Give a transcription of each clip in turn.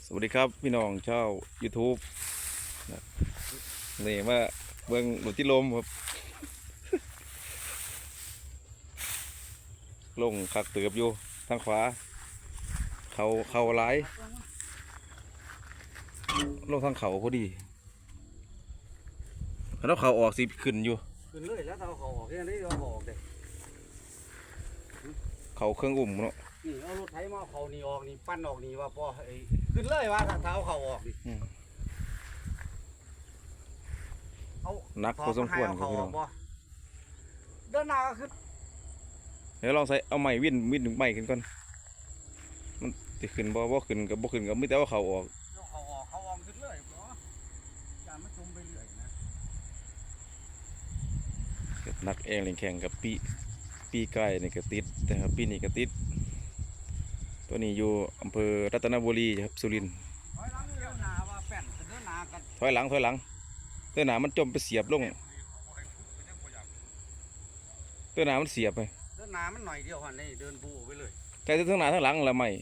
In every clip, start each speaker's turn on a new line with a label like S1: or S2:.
S1: สวัสดีครับพี่น้องชาว YouTube นี่มาเบิ่งหลุดที่ลมครับลงคักเตือบอยู่ทางขวาเขาหลายลงทางเขาพอดีแล้วเขาออกสิขึ้นอยู่
S2: ขึ้นเลยแล้วเอาเขาออกแค่นี้เอาเขาออกเลย
S1: เขาเครื่องอุ่มเนาะ
S2: นี่เอารถไถมาเขานี่ออกนี่ปั้นออกนี่ว่าพอไอ้ขึ้นเลยว่าถ้าเท้าเขาออกนี่เอา
S1: นักพอสมควรครับพี่น้อง
S2: เดินหน้าก็ขึ้น
S1: เดี๋ยวลองใส่เอาไม้วิ่นถึงไม้ขึ้นก่อนมันติขึ้นบ่ขึ้นกับไม่แต่ว่าเขาออก
S2: เขาออกขึ้นเลยเพราะการมันจมไปเรื่อยนะ
S1: นักเองเล่นแข่งกับปีไก่นี่ก็ติดแต่ครับปีนี้ก็ติดตัวนี้อยู่อำเภอรัตนบุรีครับสุรินทร์
S2: ถอยหลังเดินหน้าว่าแป้นเดินหน้ากัน
S1: ถอยหลังเดินหน้ามันจมไปเสียบลงเดินหน้ามันเสียบไป
S2: เดินหน้ามันหน่อยเดียวหันนี่เดินบูไปเลย
S1: แต่ทั้งหน้าทั้งหลังละไม่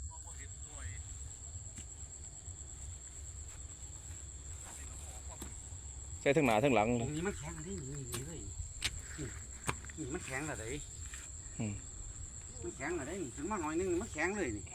S1: ใช่ทั้งหน้าทั้งหลัง
S2: ตรงนี้มันแข็งอะไรนี่เลยนี่มันแข็งอะไรมันแข็งอะไรนี่ถึงมาหน่อยนึงมันแข็งเลยนี่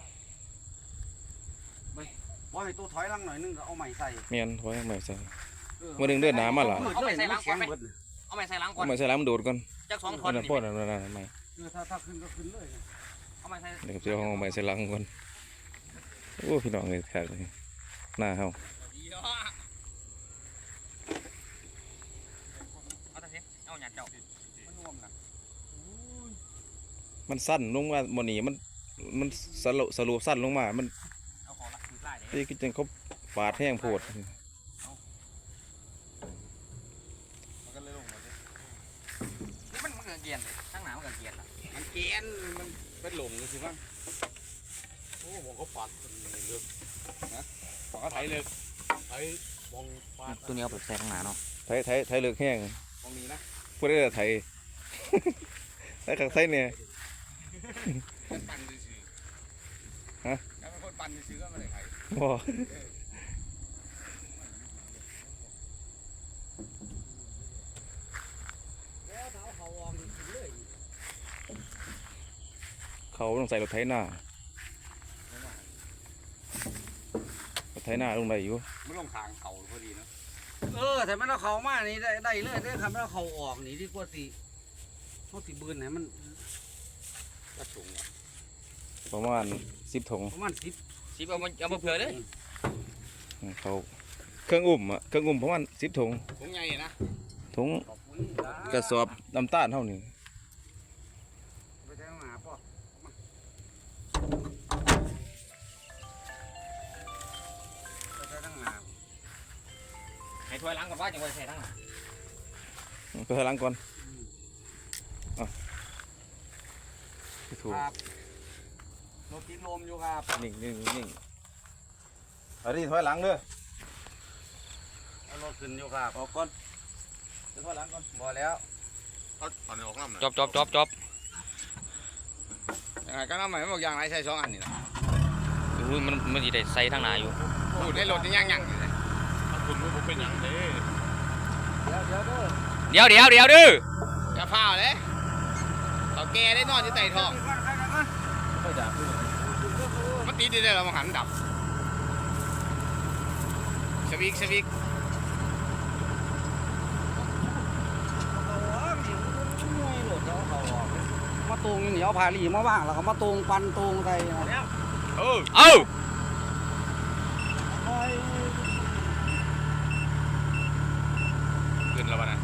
S2: บ่ให้ตัวถอยหลังหน่อยนึงก็เอาใหม่ใส่
S1: เมียนถอยใหม่ใส่เมื่อดึงเดินหนามาหล่ะ
S2: เอาใหม่ใส่หลังก่อน
S3: เอาใหม่ใส่หลังก่อน
S1: เอาใหม่ใส่หลังมันโดดก่อน
S3: จาก2 ท่อน
S1: นี่ป้อนนั่นใหม่
S2: ถ้าขึ้นก็ขึ้นเลย
S3: เอาใหม่ใส่
S1: เดี๋ยวเจ้าของใหม่ใส่หลังก่อนโอ้พี่น้องเลยแขกเลยหน้าเฮา
S3: เอาแต่เสียเอาหยาดเจ้า
S1: มันสั้นลงมาโมนี่มันสรุปสั้นลงมามัน
S3: เอาขอละไล่เด้
S1: นี่ก็จังเขาปาดแห้งโพด
S3: มันก็เกียนเลยทั้งหนามันก็เกียนละ
S2: มันเกียนมันเป็นหลงใช่ไหมโอ้ผมก็ปัดเลือกนะผมก็ไถเลยไถมองปัด
S3: ตัวนี้เอาไปใส่ทั้งหนาเนาะ
S1: ไทยเลือกแห้ง
S2: มองนี้นะ
S1: พูดได้แต่ไทยไทยขังไทยเนี่ย
S2: ปั่นซื้อฮะแล้วเป็นคนปั่นซื้อก็ไม่ได้ไถ
S1: บ่เขาต้องใส่รถไถหน้ารถไถหน้าลงได้อยู่
S2: ไม่ลงทางเขาพอดีนะแต่มันเอาเขามานี่ได้เลยได้คำว่าเขาออกนี่ดีกว่าตีเขาตีบืนไหนมันกระสุง
S1: ประมาณ10 ถุง
S2: ประมาณ10
S3: เอามาเผื่อเลย
S1: เขาเครื่องอุ่มประมาณ10 ถุง
S2: ถุงใหญ่นะ
S1: ถุงกระสอบน้ำตาลเท่านี้
S2: ไปแทงหาพ่อไปแทงหา
S3: ให้ถอยหลังก่อนว่าจังหวะใส่ทั้งหนา
S1: ไปถอยหลังก่อนถูก
S2: รถติดลมอยู่ครับ
S1: นิ่งอันนี้ถอยหลังเด้อ
S2: รถขึ้นอยู่ครับออกก่อนถอยหลังก่อนบ่แล้วเอาตอนนี้ออกน้ำ
S3: จบ
S2: ยังไงก็น้ำใหม่บอกอย่างไรใส่2 อันนี่นะ
S3: มันจะได้ใส่ทั้งหนาอยู่
S2: พูดในรถนี่ยังอยู่เลยคุณไม่เป็นอย่างนี้
S3: เดี๋ยวดื้อ
S2: จะพาเลยเขาแก่ได้นอนอยู่ใต้ท้องมันตีได้เรามาหันดับสวิกมาตรงเหนียวพาลีมาบ้างแล้วก็มาตรงปันตรงใส่ขึ้นแล้วนะ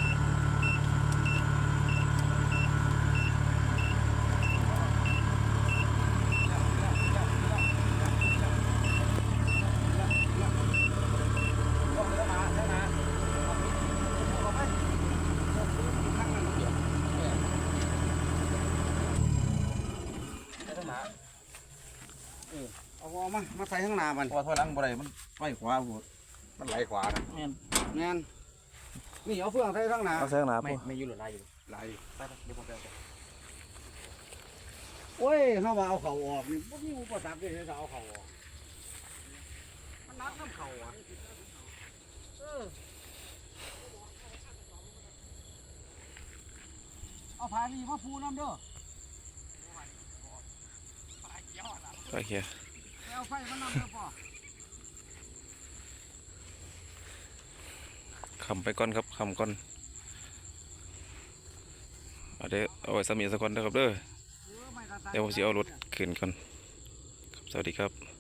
S2: เอามาใส่ข้างหน้ามัน
S1: พอถอยหลังบ่ได้มันไปขวาหมด
S2: มันไหลขวานะ
S3: แม่น
S2: นี่เอาเฟืองใส่ข้างหน้า
S1: ใส่ข้างหน้า
S3: ไม่อยู่หรือไรอยู่
S2: ไหล
S3: ไปเดี๋ยวผมไป
S2: โอ้ยเขาว่าเอาเขาออกนี่พวกนี้อุปสรรคเลยเขาเอาเขาออกวะเอาผาดีมาปูน้ำเด้อ
S1: โอเค
S2: เอาไฟมานำเด้อป่อ
S1: คำไปก่อนครับคำก่อนเดี๋ยวเอาไว้สามีสักคนนะครับเด้อ
S2: ไม่กระตัน
S1: เดี๋ยวผมจะเอารถขึ้นก่อนครับสวัสดีครับ